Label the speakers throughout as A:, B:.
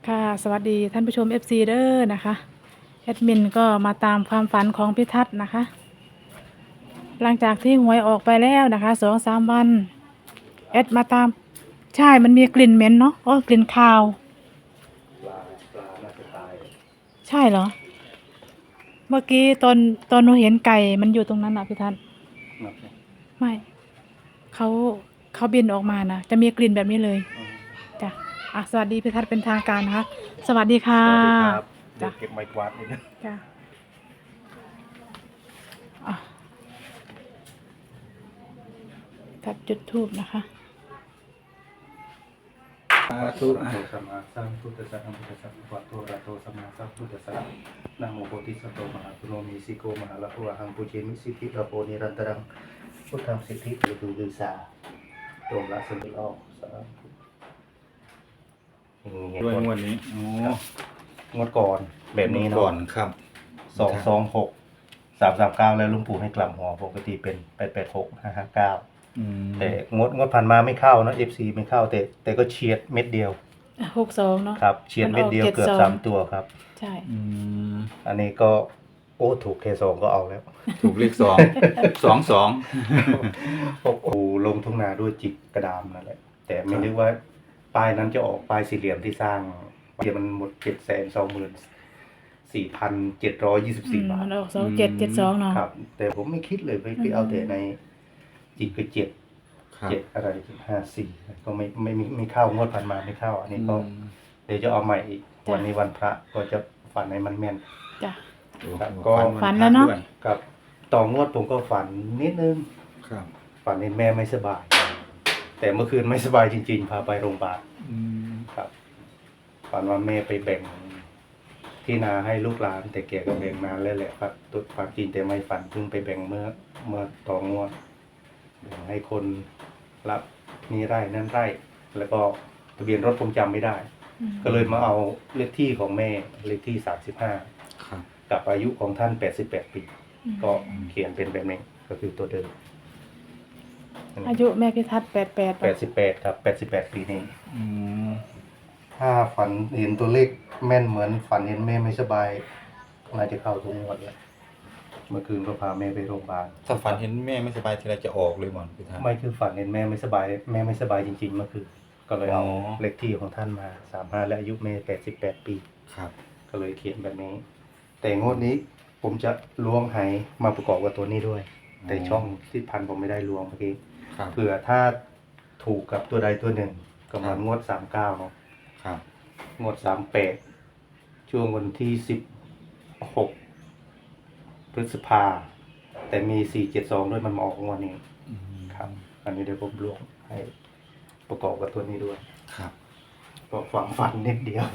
A: ค่ะสวัสดีท่านผู้ชม FC เด้อนะคะแอดมินก็มาตามความฝันของพิทัศน์นะคะหลังจากที่หวยออกไปแล้วนะคะ2-3 วันแอดมาตามใช่มันมีกลิ่นเหม็นเนาะกลิ่นคาว
B: ปลาน่าจะตาย
A: ใช่เหรอเมื่อกี้ตอนหนูเห็นไก่มันอยู่ตรงนั้นอ่ะพิทัศน์
B: นับ
A: ไม่เขาเขาบินออกมานะจะมีกลิ่นแบบนี้เลยจ้ะสวัสดีพิทัศน์เป็นทางการนะคะสวัสดีค่ะ
B: สวัสดีครับเดี๋ย
A: จ้ะ
B: วเก็บไม้กวาดนิดนึง
A: จ้ะอ่ะทัดจุดทูบนะคะ
B: สาธุอะสัมมาสัมพุทธัสสะนะโมตัสสะภะคะวะโตอะระหะโตสัมมาสัมพุทธัสสะนะโมโพธิสัตว์โตมหาปุโรมิสิโกมหาละโหอะหังปุเชมิสิทธิระโพนิรันตรังพุทธังสิทธิปุตุลือสาโตมละสมิออกสาธุ
C: ด้วยงวดนี้โอ้
B: งวดก่อนแบบนี้
C: ก่อ
B: เนาะ
C: นครับ
B: 226 339แล้วลุงปู่ให้กลับหัวปกติเป็น886 559แต่งวดผ่านมาไม่เข้านะ FC ไม่เข้าแต่ก็เฉียดเม็ดเดียว
A: 62เนาะ
B: ครับเฉียดเม็ดเดียวเกือบ3ตัวครับ
A: ใช่
B: อันนี้ก็ถูกเคสองก็เอาแล้ว
C: ถูกเลข2
B: โอ้โหลงทุ่งนาด้วยจิกกระดามนั่นแหละแต่ไม่นึกว่าป้ายนั้นจะออกป้ายสี่เหลี่ยมที่สร้างเดี๋ยวมันหมด724,724 บาท
A: มันออก2772เนาะ
B: ครับแต่ผมไม่คิดเลยไปเอาแต่ในจิกก็7อะไร54ก็ไม่เข้างวดผ่านมาไม่เข้าอันนี้ก็เดี๋ยวจะเอาใหม่อีกวันนี้วันพระก็จะฝันให้มันแม่น
A: จ้ะ
B: ครับก็
A: ฝันแล้วเนาะ
B: ครับต่องวดผมก็ฝันนิดนึง
C: ครับ
B: ฝันเห็นแม่ไม่สบาย แต่เมื่อคืนไม่สบายจริงๆพาไปโรงพยาบาลครับฝันว่าแม่ไปแบ่งที่นาให้ลูกหลานแต่แกก็แบ่งนานแล้วแหละครับตัวความจริงแต่ไม่ฝันเพิ่งไปแบ่งเมื่อต่องวดแบ่งให้คนรับนี่ไร่นั่นไร่แล้วก็ทะเบียนรถผมจำไม่ได้ ก็เลยมาเอาเลขที่ของแม่เลขที่35
C: ครับ
B: กับอายุของท่าน88 ปีก็เขียนเป็นแบบนี้ก็คือตัวเดิม
A: อายุแม่พิทัศน์88
B: 88ครับ88 ปีนี้ถ้าฝันเห็นตัวเลขแม่นเหมือนฝันเห็นแม่ไม่สบายน่าจะเข้าทุกงวดเลยเมื่อคืนก็พาแม่ไปโรงพยาบาล
C: ถ้าฝันเห็นแม่ไม่สบายทีไรจะออกเลยหมอนพี่ท่าน
B: ไม่คือฝันเห็นแม่ไม่สบายจริงๆเมื่อคืนก็เลยเอาเลขที่ของท่านมา35และอายุแม่88 ปี
C: ครับ
B: ก็เลยเขียนแบบนี้ แต่งวดนี้ผมจะล้วงไหมาประกอบกับตัวนี้ด้วย แต่ช่องที่พันผมไม่ได้ล้วงเมื่อกี้
C: ครับ
B: เผื่อถ้าถูกกับตัวใดตัวหนึ่งก็มางวด39เนาะ
C: ครับ
B: งวด38ช่วงวันที่16พฤษภาแต่มี472ด้วยมันมาออกงวดนี้ครับ อันนี้เดี๋ยวผมล้วงให้ประกอบกับตัวนี้ด้วย
C: ครับ
B: ก็ฝันนิดเดียว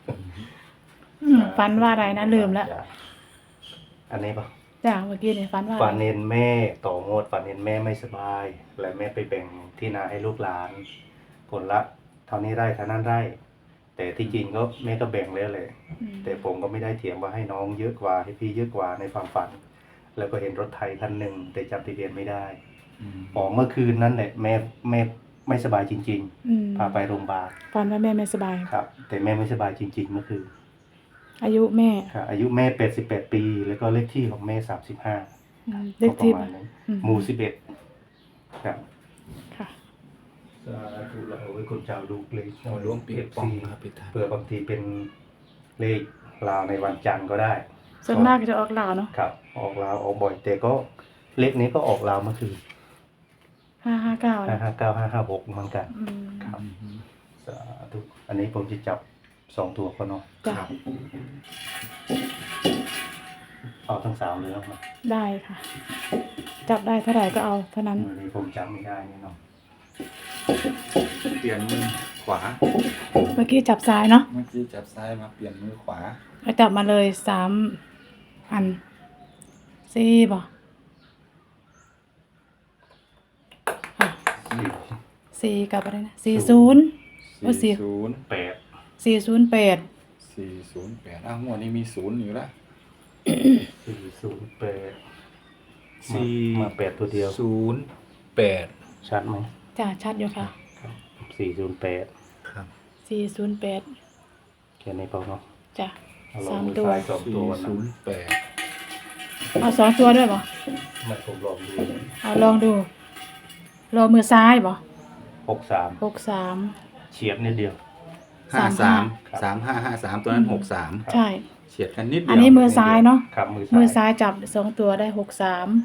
A: ฝันว่าอะไรนะลืมแล้ว
B: อันนี้ปะ
A: จ้ะเมื่อกี้เนี่ยฝันว่า
B: ฝันเห็นแม่ต่องวดฝันเห็นแม่ไม่สบาย และแม่ไปแบ่งที่นาให้ลูกหลานผลละเท่านี้ไร่เท่านั้นไร่ แต่ที่จริงก็แม่ก็แบ่งแล้วเลยแต่ผมก็ไม่ได้เถียงว่าให้น้องเยอะกว่าให้พี่เยอะกว่าในความฝัน แล้วก็เห็นรถไถคันหนึ่งแต่จำทะเบียนไม่ได้เมื่อคืนนั้นแหละแม่ไม่สบายจริงๆพาไปโรงพยาบาล
A: ฝันว่าแม่ไม่สบาย
B: ครับ แต่แม่ไม่สบายจริงๆเมื่อคืน
A: อายุแม่
B: อายุแม่88 ปีแล้วก็เลขที่ของแม่35
A: เลขที่
B: ประมาณนั้นหมู่11ครับ
A: ค่ะ
B: สาธุเราไว้คนเจ้าดูเลข
C: เอาล้วงปีกปองครับพี่ท่าน
B: เผื่อบางทีเป็นเลขลาวในวันจันทร์ก็ได้
A: ส่วนมากจะออกลาวเนาะ
B: ครับ ออกลาวออกบ่อยแต่ก็เลขนี้ก็ออกลาวเมื่อคืน
A: 559นะ
B: 559 556เหมือนกันครับสาธุอันนี้ผมจะจับ2ตัวก็เนาะ
A: จ้ะ
B: เอาทั้ง3เลยเนาะ
A: ได้ค่ะ จับได้เท่าไหร่ก็เอาเท่านั้น
B: อันนี้ผมจำไม่ได้นี่เนาะ
C: เปลี่ยนมือขวา
A: เมื่อกี้จับซ้ายเนาะ
C: เมื่อกี้จับซ้ายมาเปลี่ยนมือขวา
A: แล้วจับมาเลย3 อัน4บ่4กับอะไรนะ40ว่า
C: 408
A: 408
C: อ้าวงวดนี้มี0อยู่แล้ว
B: 408มา8ตัวเดียว
C: 08
B: ชัดไหม
A: จ้ะชัดอยู่ค่ะ
B: 408
C: ครับ
A: 408
B: ขียนในเปล่าเนาะ
A: จ้ะ
B: เอาลอ
A: สาง ม
B: มือ
A: ตัว
B: ซ้ายสองตัวนะ
C: 408
A: เอา2 ตัวด้วยบ่
B: ไม่ผมลองดู
A: เอาลองดูรอมือซ้ายบ่
B: 63
A: 63
B: เฉียบนิดเดียว
C: 53 3553ตัวนั้น 63
A: ใช่
C: เฉียดกันนิดเดียว
A: อันนี้มือซ้ายเนาะ
B: ครับมือ
A: มือ
B: ซ้าย
A: ซ้ายจับ2 ตัวได้63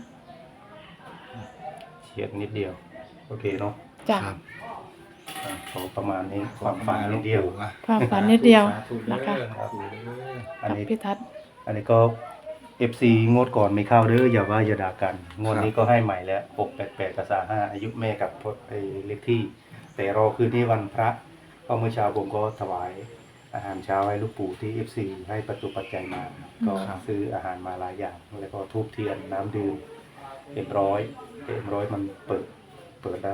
B: เฉียบนิดเดียว โอเคเนาะ
A: จ้ะ
C: ครับ
B: ขอประมาณนี้ความฝันนิดเดียว
A: ความฝันนิดเดียว
C: สาธุ
A: นะคะ
C: เด้อสาธุเด้อ
B: อัน
A: กับ
B: นี้
A: พี่ทัศน์
B: อันนี้ก็ FC งวดก่อนไม่เข้าเด้ออย่าว่าอย่าด่ากัน งวดนี้ก็ให้ใหม่แล้ว688กับ35อายุแม่กับเลขที่ แต่รอคืนนี้วันพระก็เมื่อเช้าผมก็ถวายอาหารเช้าให้ลูกปู่ที่ FC ให้ประตูปัจจัยมา ก็ซื้ออาหารมาหลายอย่าง แล้วก็ทูบเทียนน้ำดื่มเอ็มร้อยมันเปิดได้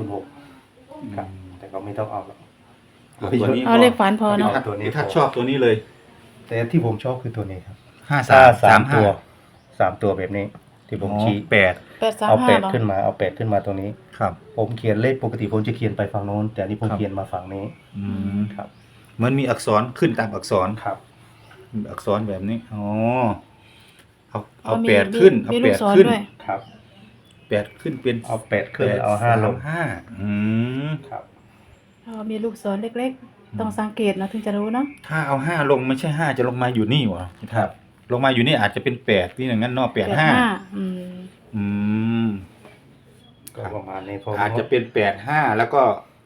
B: 206ครับแต่ก็ไม่ต้องเอาหรอก
C: เอาตัวนี้
A: เอาเลขฝันพอเนาะ
B: ตัวนี้
C: พี่ทัศน์ชอบตัวนี้เลย
B: แต่ที่ผมชอบคือตัวนี้ครับ
C: 5335
B: ตัว3ตัวแบบนี้ ที่ผมชี้
C: 8
B: เอาแปด
A: 835บ่
B: ขึ้นมาเอาแปดขึ้นมาตรงนี้
C: ครับ
B: ผมเขียนเลขปกติผมจะเขียนไปฝั่งโน้น แต่อันนี้ผมเขียนมาฝั่งนี้
C: อืม
B: ครับ
C: เหมือนมีอักษรขึ้นตามอักษร
B: ครับ
C: อักษรแบบนี้อ๋อเอา
A: มี
C: 8ขึ้นเอา
A: มีลูกศร
C: 8ขึ้น
A: ด้วย
B: ครับ
C: 8ขึ้นเป็น
B: เอา8ขึ้นเอา5ลง
C: 5อืม
B: ครับ
A: มีลูกศรเล็กๆ ต้องสังเกตนะถึงจะรู้เนาะ
C: ถ้าเอา5ลงไม่ใช่5จะลงมาอยู่นี่หวะครับลงมาอยู่นี่อาจจะเป็น8นี่อย่างนั้นเนาะ85
A: อืม
C: อืม
B: ก็ประมาณนี้พอ
C: อาจจะเป็น85แล้วก็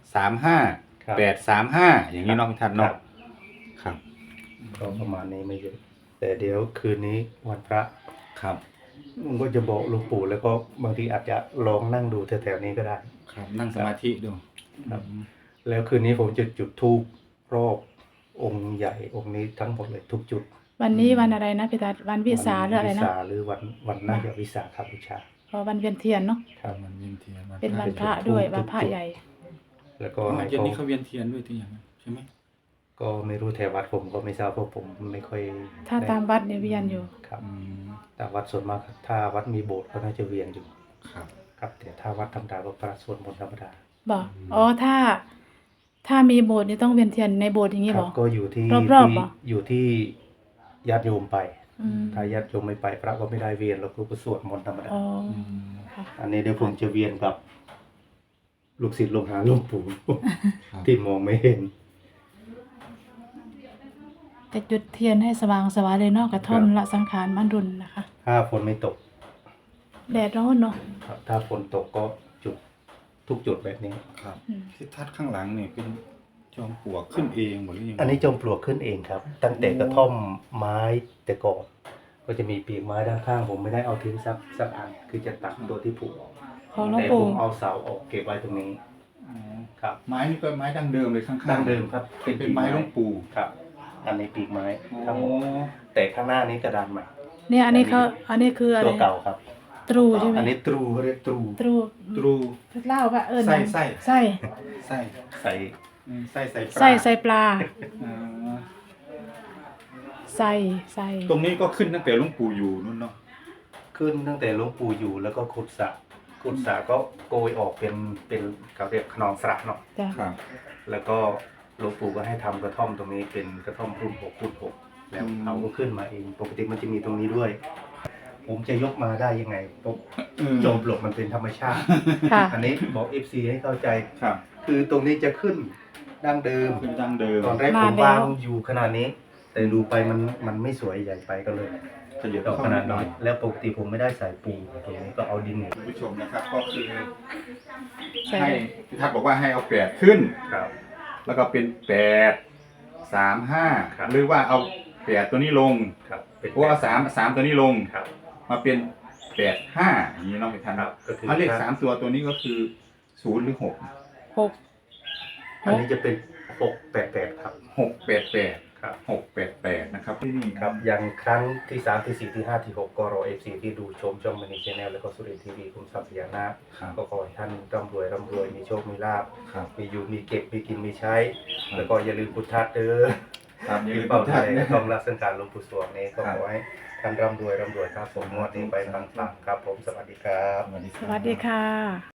C: 35
B: ครับ
C: 835อย่างนี้เนาะพี่ทัศน์
B: ครั
C: เนาะ
B: บ
C: ครับ
B: ก็ประมาณนี้ไม่เยอะแต่เดี๋ยวคืนนี้วันพระ
C: ครับ
B: ผมก็จะบอกหลวงปู่แล้วก็บางทีอาจจะลองนั่งดูแถวๆนี้ก็ได้
C: ครับนั่งสมาธิดู
B: ครับ แล้วคืนนี้ผมจะจุดธูปรอบองค์ใหญ่องค์นี้ทั้งหมดเลยทุกจุด
A: วันนี้วันอะไรนะพี่ทัศน์วันวิสาหรืออะไร
B: วิ
A: นะ
B: สาหรือวันน่าจะวิสาขบูชา
A: พอวันเวียนเทียนเนาะ
B: ครับ
C: มันเวียนเทียน
A: เป็นวันพระด้วยวันพระใหญ่
B: แล้ว
C: ก็
B: ก็ให้
C: เย็น
B: เขา
C: นี้เขาเวียนเทียนด้วยที่อย่างนั้นใช่ไหม
B: ก็ไม่รู้แถววัดผมก็ไม่ทราบเพราะผมไม่ค่อย
A: ถ้าตามวัดเนี่ยเวียนอยู่
B: ครับ
C: อืม
B: แต่วัดส่วนมากถ้าวัดมีโบสถ์ก็น่าจะเวียนอยู่
C: ครับ
B: ครับแต่ถ้าวัดธรรมดาก็พระสวดมนต์ธรรมดา
A: บอกอ๋อถ้ามีโบสถ์นี่ต้องเวียนเทียนในโบสถ์อย่างนี้
B: ค
A: บ
B: รั
A: อบ ก
B: ก็อยู่ที่
A: รอบๆเหรอ
B: อยู่ที่ญาติโยมไป
A: อืม
B: ถ้าญาติโยมไม่ไปพระก็ไม่ได้เวียนเราก็สวดมนต์ธรรมดา
A: อ๋อ
C: อืม
A: ค่ะ
B: อันนี้เดี๋ยวผมจะเวียนกับ ลูกศิษย์ลูกหาหลวงปู่
C: ครับ
B: ที่มองไม่เห็น
A: จะจุดเทียนให้สว่างสวายเลยเนาะกระท่อมละสังขารมันรุนนะคะ
B: ถ้าฝนไม่ตก
A: แดดร้อนเนาะ
B: ครับถ้าฝนตกก็จุดทุกจุดแบบนี้
C: ครับ
A: อืม
C: ที่ทัดข้างหลังเนี่ยเป็นจอมปลวกขึ้นเองหมดหรือยัง
B: อันนี้จอมปลวกขึ้นเองครับ ตั้งแต่กระท่อมไม้แต่ก่อนก็จะมีปีกไม้ด้านข้าง ผมไม่ได้เอาทิ้งสักอันคือจะตัดตัวที่ผุออก
A: ของหลวง
B: แต่ผ
A: ปู่
B: มเอาเสาออกเก็บไว้ตรงนี้
C: อ๋อ
B: ครับ
C: ไม้นี่ก็ไม้ดั้งเดิมเลยข้างๆ
B: ดั้งเดิมครับ
C: เป็นไม้หลวงปู่
B: ครับ อันนี้ปีกไม้
C: โอ้
B: ทั้งหมดแต่ข้างหน้านี้กระดานใหม่
A: เนี่ยอันนี้คืออะไร
B: ตัวเก่าครับ
A: ตรูใช่ไหม
B: อันนี้ตรูเขาเรียกตรู
A: ตรู
C: ตรู
A: เล่าว่า
C: ไ
A: นะ
C: ส้
A: ไส้
C: ไส้
B: ใส่
C: ไส้ใส่ปลา
A: ไส้ปลา
C: อ๋อ
A: ไส้
C: ตรงนี้ก็ขึ้นตั้งแต่หลวงปู่อยู่นู่นเนาะ
B: ขึ้นตั้งแต่หลวงปู่อยู่แล้วก็ขุดสระก็โกยออกเป็นเขาเรียกขนองสระเนาะ
A: จ้ะ
C: ครับ
B: แล้วก็หลวงปู่ก็ให้ทำกระท่อมตรงนี้เป็นกระท่อมรุ่น6คูณ6แล้วเอาก็ขึ้นมาเองปกติมันจะมีตรงนี้ด้วย ผมจะยกมาได้ยังไงเพราะโจมปลวกมันเป็นธรรมชาติ
A: ค่ะ
B: อันนี้บอก FC ให้เข้าใจ
C: ครับ
B: คือตรงนี้จะขึ้นดั้งเดิม
C: ขึ้นดั้งเดิม
B: ตอนแรกผมวางอยู่ขนาดนี้ แต่ดูไปมันไม่สวยใหญ่ไปก็เลย
C: ขยับ
B: ดอก
C: เข้า
B: ข
C: มา
B: นาด
C: หน่
B: น้
C: อ
B: อย ยแล้วปกติผมไม่ได้ใส่ปูตรงนี้ก็เอาดินเนี่ย
C: คุณผู้ชมนะครับก็คือ
A: ใช่
C: ให้พี่ทัศน์บอกว่าให้เอา8ขึ้น
B: ครับ
C: แล้วก็เป็น8 3
B: ครับ
C: 5หรือว่าเอา8ตัวนี้ลง
B: ครับเป็น
C: เพราะว่า3ตัวนี้ลง
B: ครับ
C: มาเป็น8 5อย่างนี้เน้องพี่ทัศน์
B: ครับก็คือ
C: ถ้าเลข3ตัวนี้ก็คือ0หรือ6
A: หก
B: อันนี้จะเป็น688ครับ
C: 688
B: ครับ
C: 688นะครับที่นี่
B: ครับอย่างครั้งที่3ที่4ที่5ที่6ก็รอ FC ที่ดูชมช่องมินิชแนลแล้วก็สุรินทร์ทีวีคุณทรัพย์พญานาค
C: ครับ
B: ก็ขอให้ท่านร่ำรวยมีโชคมีลาภ
C: ครับ
B: มีอยู่มีเก็บมีกินมีใช้
C: ครับ
B: แล้วก็อย่าลืมพุทธัดเด้อ
C: ครับอย่าลื
B: มี
C: ม
B: เป้า
C: พุท
B: ไท
C: ธัด
B: ย
C: นะ
B: ต้องรักสังการหลวงปู่สวงนี้ก็
C: ครับ
B: ขอให้ท่านร่ำรวยครับผมงวดนี้ไปปังๆครับผมสวัสดีครับ
C: สวัสดี
A: สวัสดีค่ะ